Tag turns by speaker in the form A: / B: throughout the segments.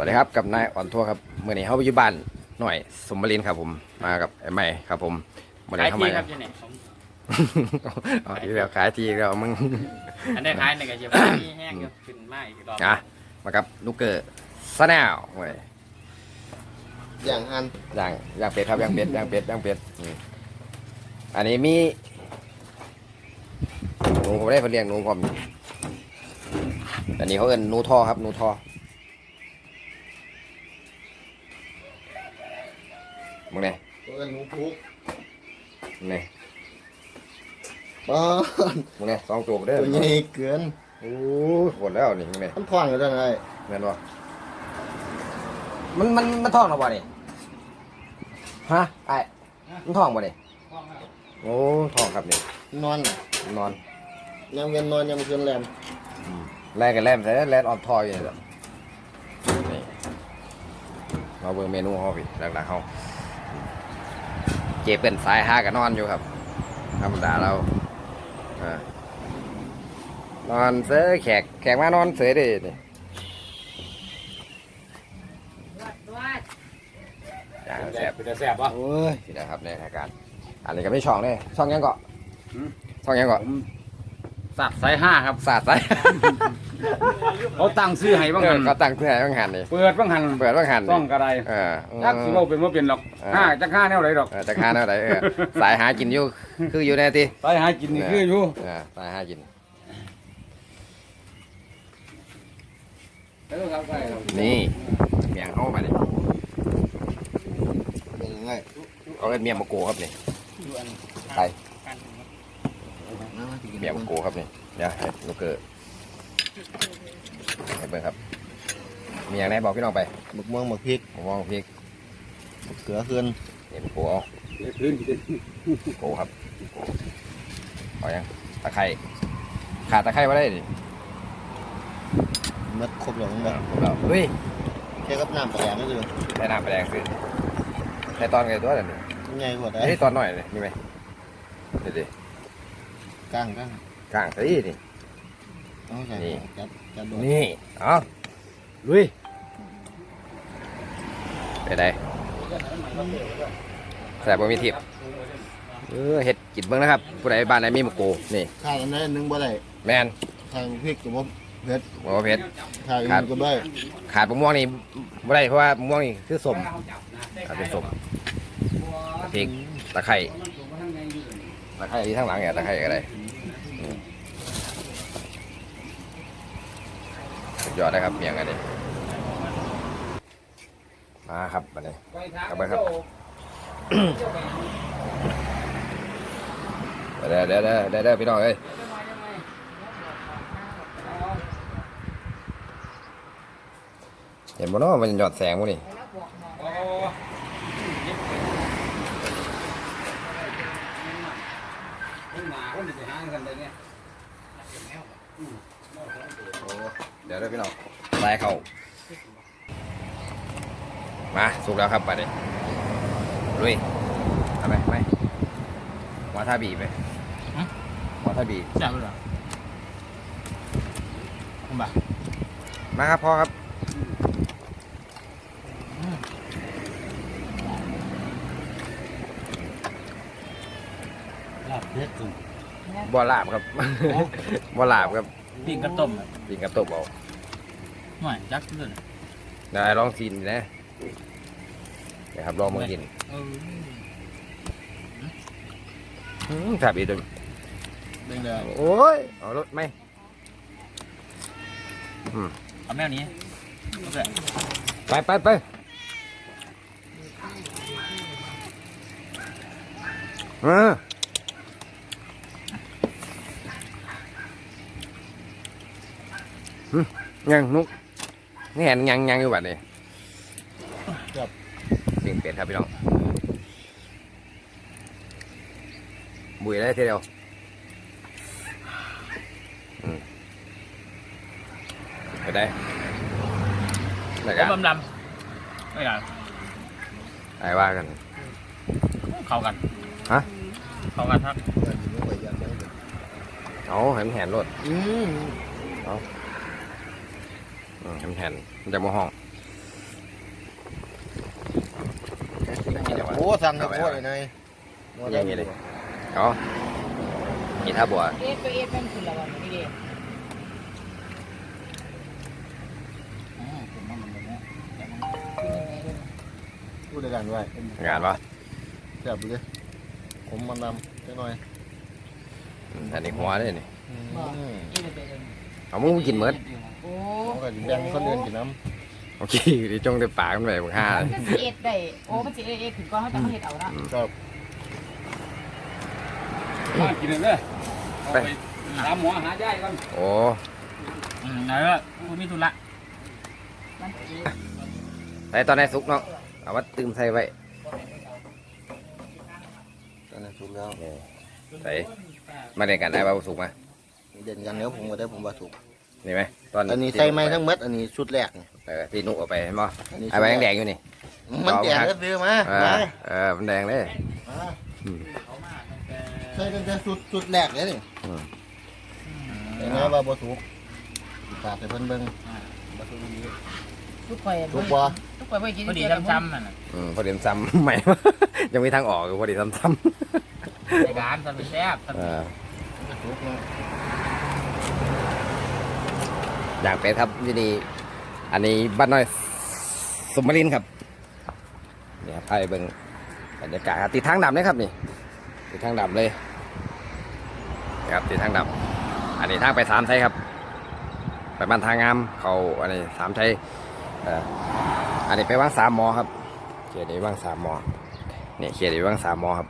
A: วัสดีครับกับนายอ่อนทัวร์ครับเมื่อนี้เขาไปอยู่บ้านหน่อยสมบรินครับผมมากับไอ้ใหม่ครับผมวันนี้เข้ามา
B: ครับเนี่ยผม
A: อ๋ออีกแล้วขายทีแล้วมึง
B: อันได้ขายในกระเจี๊ยบที่แห้งก็ขึ้นมาอีกรอบ
A: อ่ะมากับลูกเกอร์ซะแนวเว้ย
C: อย่างอัน
A: ย่างเป็ดครับย่างเป็ดอันนี้มีหนูผมได้เพิ่นเลี้ยงหนูผมอันนี้เขาเอิ้นหนูท่อครับหนูท่อมึงเนี่ย
C: ตัวหนูพุก
A: มึงเนี่ย
C: ป้อน
A: มึงเนี่ยสองตัวเด้อ
C: ตัวใหญ่เกิน
A: โอ้ยหมดแล้วนี่มึงเนี่ย
C: มันท้องอยู่ได้ไง
A: แม่นบ่มันท้องหรอบ่นี่ฮะไอ้มันท้องบ่นี่โอ้ท้องครับนี่
C: นอนน่ะ
A: นอน
C: ยังเวียนนอนยังเกินแรม
A: แลกกันแลมใส่แลนออนทอยอยู่นี่แหละนี่มาเบิ่งเมนูเฮาพี่หลักๆเฮาเจเป็นสายหากันนอนอยู่ครับธรรมดาเรานอนเสือแขกมานอนเสือดินี่อย่างแซ่บ
B: เป็นแซ่บป่ะ
A: โอ้ยสินะครับในรายการอันนี้ก็ไม่ช่องเลยช่องยังเกาะช่องยังเกาะ
B: สับสายห้าครับ
A: สาดใส่
B: เขาตั้งซื้อให้บ้างหัน
A: ก็ตั้งเพื่อให้บ้างหันนี่
B: เปิดบ้างหัน
A: เปิดบ้างหัน
B: ต้องกระได จักสิเราเป็นว่าเป็นหรอกห้าจักห้าแนวไหนหรอก
A: จะค้าแนวไหนสายหากินอยู่คืออยู่ในที
B: ไปหากินนี่คืออยู่
A: สายหากินนี่เมียงเข้ามาดิ
C: เป็นยังไง
A: เขาเป็นเมียงมะกูครับนี่ไปเมียงมะกูครับนี่เดี๋ยวให้ลูกเกอร์ให้เบิ่งครับมีอย่างไหนบอกพี่น้องไป
C: หมึกม่วงหมึกพริก
A: มะม่วงพริก
C: หมึกเกลือขึ้น
A: นี่มะกูเอาโกครับเอายังตะไคร้ขาดตะไคร้มาได้ดิ
C: มัดครบหลงแบบ
A: ผมเราเฮ้ย
C: แค่กับน้ำปลาแดงก็คือ
A: ใช้น้ำไปแดงสิใช้ตอนไงตัวนั่นนี่
C: ใหญ่กว่าได้
A: ไอ้ตอนหน่อยเลยมีไหมเดี๋ยวดิ
C: ก้าง
A: กลางสินี่
C: เอาใส่
A: นี่
C: จับโดน
A: นี่เอาลุยไปได้แสบบ่มีทิพย์เห็ดกินเบิ่งนะครับผู้ใดบ้านไหนมีหมกโกนี่
C: ข้างอันนั้นนึงบ่ได้
A: แมน
C: ข้างพริกกับว่าเผ็ด
A: บ่ว่าเผ็ด
C: ข้างอื่นก็ได้
A: ขาดมะม่วงนี่บ่ได้เพราะว่ามะม่วงนี่คือสมขาดเป็นสมพริกตะไคร้ที่ทั้งหลังเนี่ยตะไคร้ก็ได้สุดยอดนะครับเมียงอันนี้มาครับบัดนี้กลับไปครับเด้อพี่น้องเอ้ยเห็นบ่เนาะมันหยอดแสงบ่นี่เดี๋ยวพี่น้องใส่เข้ามาสุกแล้วครับบัดนี้ลุยทำไมไม่หัวท่าบีไปหัวท่าบี
B: จับเลยเหรอคุณบ่า
A: มาครับพ่อครับ
C: ลาบเผ็ดสุด
A: บ่ลาบครับ บ่ลาบครับ
B: ปิ้งกระต้ม
A: ปิงกระตบเอา
B: หน่อยจักเลย
A: ได้ลองกินนะเดี๋ยวครับลองมากินแซ่บอีกตัว
C: เด้งเลย
A: โอ้ยเอารถไหม
B: เอาแมวนี้
A: ไปยังนุกนี่เห็นยังอยู่บัดนี้ปิงเป็ดครับพี่น้องบุยได้ทีเดียวไปได้แล้วกัน
B: ลำไม่กัน
A: ไอ้ว่ากัน
B: เข้ากัน
A: ฮะ
B: เข้ากันครับ
A: เอาเห็นแหนรถ เห็นแหนมันจะมาห้อง
C: สั่งทั้งโคตรเลยนาย
A: อย่างนี้เลยเอานี่ท่าบัว
D: เอ๊ะตัวเอ๊ะเป็นคืออะไรวะนี่เด็ก
C: พูดด้วยกันไว้
A: งานปะ
C: แซ่บเลยผมมันนำแค่หน่อย
A: อันนี้หัวเลยนี่
D: บอกนี่มันเป็น
A: เอามึงกินเมิด
D: โอ้
C: ผมก็แบ่งคนอื่นกินน้
A: โอเคดิจงได้ปากมันไปบุกห้า
D: มันก็สิเอ็ดได้โอ้มันสิเอ็ดถึงก่อนเขาจะมาเฮ็ดเอาละ
C: ำครับ
B: มากินเลยเด้อเอาไปหาหมอหาย่ายก่อน
A: โอ้
B: ไหนล่ะกูมีธุระ
D: มันสิ
A: ใส่ตอนไหนสุกเนาะเอามาตื่มใส่ไว้
C: ตอนนี้สุกแล้ว
A: ใส่มาเด่นกันได้ป่าวสุกมา
C: เด่นกันเนื้อผมก็ได้ผมว่าสุก
A: นี่ไหมตอน
C: อันนี้ใส่ไม้ทั้งมัดอันนี้ชุดแรกนี่
A: ที่นุกเอาไปเห็นป่ะ
C: อันนี้
A: ไอ้ใบแดงๆอยู่นี่
C: มันแดงก็ซื้อมา
A: มันแดงเลย
C: ใส่ตั้งแต่ชุดแรกเลยนี่
A: อืม
C: แต่ไงว่าบ่สุกปากใส่เพิ่นเบิ่งบ่สุกดี
D: ทุกข่อย
C: สุกบ่
D: ทุกข่อยบ่กิน
B: พอดี
D: เยว
B: ซ้ำๆนั่นน่ะ
A: พอดีซ้ำใหม่ ยังมีทางออกอยู่พอดีซ้ำ
B: ในการทำเป็นแซ่บ
C: บ่สุกเนาะ
A: อย่างเป็ดครับที่นี่อันนี้บ้านน้อยสมรินทร์ครับเนี่ยไปเบิ่งบรรยากาศครับติดทางดำเลยครับนี่ติดทางดำเลยครับติดทางดำอันนี้ทางไปสามไทยครับไปบ้านทางงามเขาอันนี้สามไทยอันนี้ไปว่างสามหมอครับเขียนนี้ว่างสามหมอเนี่ยเขียนนี้ว่างสามหมอครับ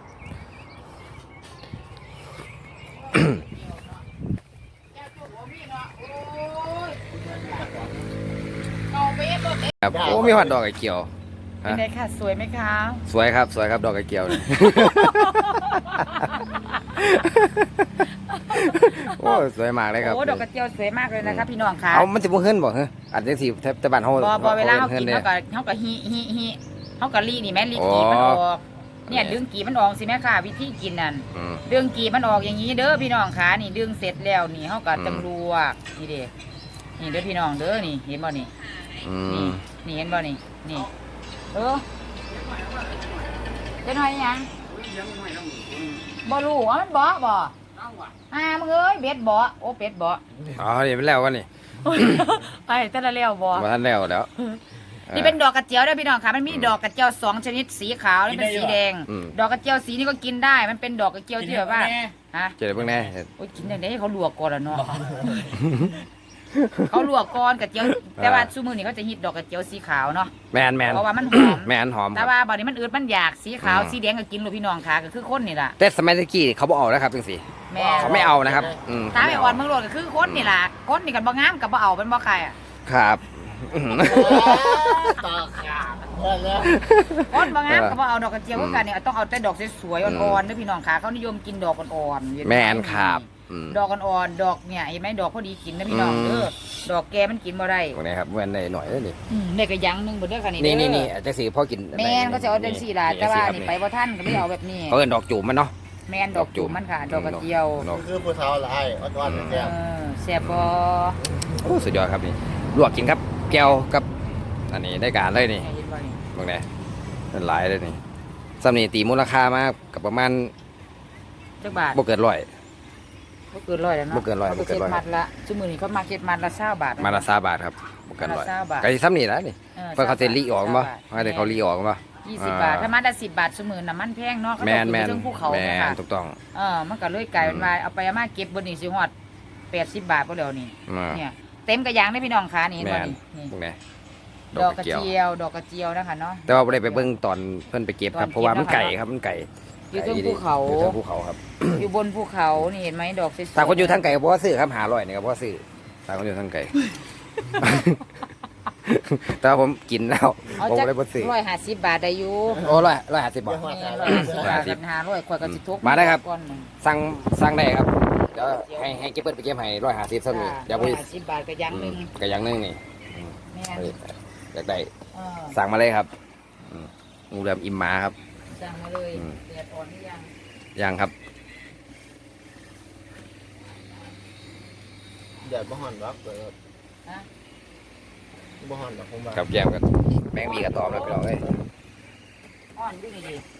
D: เอาไปเอ็ดบ่เอ็ด
A: ครับโอ้มีหอดดอกไก่เกี่ยว
D: เป็นไงค่ะสวยไหมคะ
A: สวยครับสวยครับดอกไก่เกี่ยวเนี่ย โอ้สวยมากเลยครับ
D: โอ้ดอกกระเจียวสวยมากเลยนะคะพี่น้องค่ะ
A: เอามันจะบ่เฮิรนบ่ฮะอันนี้สิแต่บ้านเฮา
D: บ่เวลาเขากิน
A: ด้
D: เขาก็ฮิเขาก็รีนี่แม่รีกีมันออกเนี่ยดึงกีมันออกสิแม่ค่ะวิธีกินนั่น
A: อืม
D: ดึงกีมันออกอย่างนี้เด้อพี่น้องค่ะนี่ดึงเสร็จแล้วนี่เขาก็
A: อืม
D: ตำรวจนี่เด้นี่เด้อพี่น้องเด้อนี่เห็นบ่นี่
A: อื
D: นี่
A: ม
D: นี่เห็นบ่นี่นี่จะหน่อยยังบ่รู้ว่ามันบ่มึงเอ้ยเบ็ดบ่โอ้เป็ดบ่
A: อ๋อนี่เป็นแล้ววะนี่
D: ไปแต่ละแล้วบ่
A: บ่ทันแล้วแล้ว
D: นี่เป็นดอกกระเจียวด้วยพี่น้องค่ะมันมีดอกกระเจียว2ชนิดสีขาวและเป็นสีแดง
A: อืม
D: ดอกกระเจียวสีนี้ก็กินได้ มันเป็นดอกกระเจียวที่แบบว่าฮะ
A: เจอเบิ่งแน่
D: โอ้ยกินได้ให้เขาลวกก่อนละเนาะ เขาลวกก่อนกระเจียวแต่ว่าซุมื้อนี้เขาจะฮิตดอกกระเจียวสีขาวเนาะ
A: แมน
D: เพราะว่ามันหอม
A: แมนหอมค
D: แต่
A: รับ
D: ว่าบัดนี้มันอืดมันอยากสีขาว
A: อืม
D: สีแดงก็กินลูกพี่น้องค่ะก็คือคนนี่ล่ะ
A: แต่สมัยตะกี้เขาบ่เอาแล้วครับจังซี่
D: แม่
A: เขาไม่เอานะครับเข
D: ถ้า
A: ไม่
D: ไป
A: เา
D: อ่อนเมืองโลดก็คือคนนี่ล่ะคนนี่กันบ่งามกับบ่เอาเป็นบ่ใครอ่ะ
A: ครับ
C: ต่อขาดแล้ว
D: คนบ่งามกับบ่เอาดอกกระเจียวคือกันเนี่ยต้องเอาแต่ดอกสวยๆอ่อนๆเด้อพี่น้องค่ะเขานิยมกินดอกอ่อนๆเห็นไห
A: แมนครับอืม
D: ดอกอ่อนๆดอกเนี่ยเห็นไหมดอกพอดีกินนะพี่น้อง
A: อืม
D: เด้อดอกแกมันกินบ่ได้
A: พวกนี้ครับแม่นได้หน่อยเลยนี่
D: เนี่ยก็ยังหนึงบ่เด้อค่ะนี่
A: นี่
D: เด้อ
A: นี่จังซี่พ่อกิน
D: แม่นก็จะเอาจังซี่ล่ะแต่ว่านี่ไปบ่ทันก็ไม่เอาแบบนี้
A: เขาเอิ้นดอกจูบมันเนาะ
D: แม่นดอกจุ่มมันค่ะ ดอกกระเจียว
A: ดอก
C: คือผู้สาวหลายอ่อนๆแซ่บ
D: แซ่บบ่
A: โอ้สุดยอดครับนี่ลวกกินครับแก้วกับอันนี้ได้การเลยนี่
D: เห็นบ่นี่
A: บางแน่เป็นหลายเลยนี่สำนีตีมูลค่ามากกับประมาณ
D: จักบาท
A: บ่เกินร้อย
D: บ่เกิน100แล้วเนาะ
A: บ่เกินร้อย
D: ขา
A: บ่เกินร้อย
D: มัดละซุมื้อนี้เขามาเก็ตมัดละ20บาท
A: มาละ3บาทครับบ่เกินร้อย
D: มาละ20บาท
A: ก็สิซ้ำนี่แหล้วนี่เพิ่นเขาสิลีออกบ่
D: 20
A: ว่าแต่เขาลีออกบ่
D: 20 บาทถ้ามัดละ10 บาทซุมื้อน้ำมันแพงเนาะเขา
A: แม
D: ต้อน ง
A: แม
D: ขึ้น
A: น
D: ไปเทิงภูเขา
A: แม
D: เนาะค่ะ
A: นถูกต้อง
D: มันก็เลยกลายเป็นว่าเอาไปเอามาเก็บบ่นี่สิฮอด80 บาทบ่แล้วนี่
A: อ่า
D: เนี่ยเต็มกระยางได้พี่น้องขานี่เห็น
A: แม
D: บ่
A: น
D: นี่
A: พวกนี้
D: ดอกกระเจียวดอกกระเจียวนะคะเนาะ
A: แต่ว่าบ่ได้ไปเบิ่งตอนเพิ่นไปเก็บครับ
D: ตอนเก็บ
A: เพราะว่ามัน
D: นะคะ
A: ไก่ครับมันไก่
D: อยู่เทิงภูเขา
A: อยู่เทิงภูเขาครับ
D: อยู่บนภูเขานี่เห็นไหมดอกสวยๆ
A: ถ้าคนอยู่ทางไก่ก็บ่ว่าซื้อครับ500นี่ก็บ่ว่าซื้อถ้าคนอยู่ทางไก่ แต่ว่าผมกินแล้ว
D: เอา
A: ผม
D: จัก
A: เลยบ่ซื้อ
D: 150 บาทได้อยู่
A: โอ้150บาท
D: แม่150 บาทกัน500ข่อยก็สิทุก
A: มาได้ครับ
D: ก้อนหนึ่ง
A: สั่งได้ครับเดี๋ยวให้เก็บเปิดไปเก็บให้150ซั่นนี่เดี๋ยวพี่
D: 150 บาทก็ยังหนึง
A: ก็อย่างหนึงนี่
D: แม่น
A: อยากได้
D: เออ
A: สั่งมาเลยครับงูเหลือมอิ่มหมาครับ
D: สั่งมาเลย
A: อืม
D: เดือดอ่อนหรือยัง
A: ยังครับ
C: เดี๋ยวบ่ฮ้อนหรอกเดี๋ยว
D: ฮะ
C: บ่ฮ้อนหรอกผมว่า
A: กับแยมกันแมงมีกระตอมแล้วพี่น้องเอ้ย
D: อ่อนอยู่นี่ดิ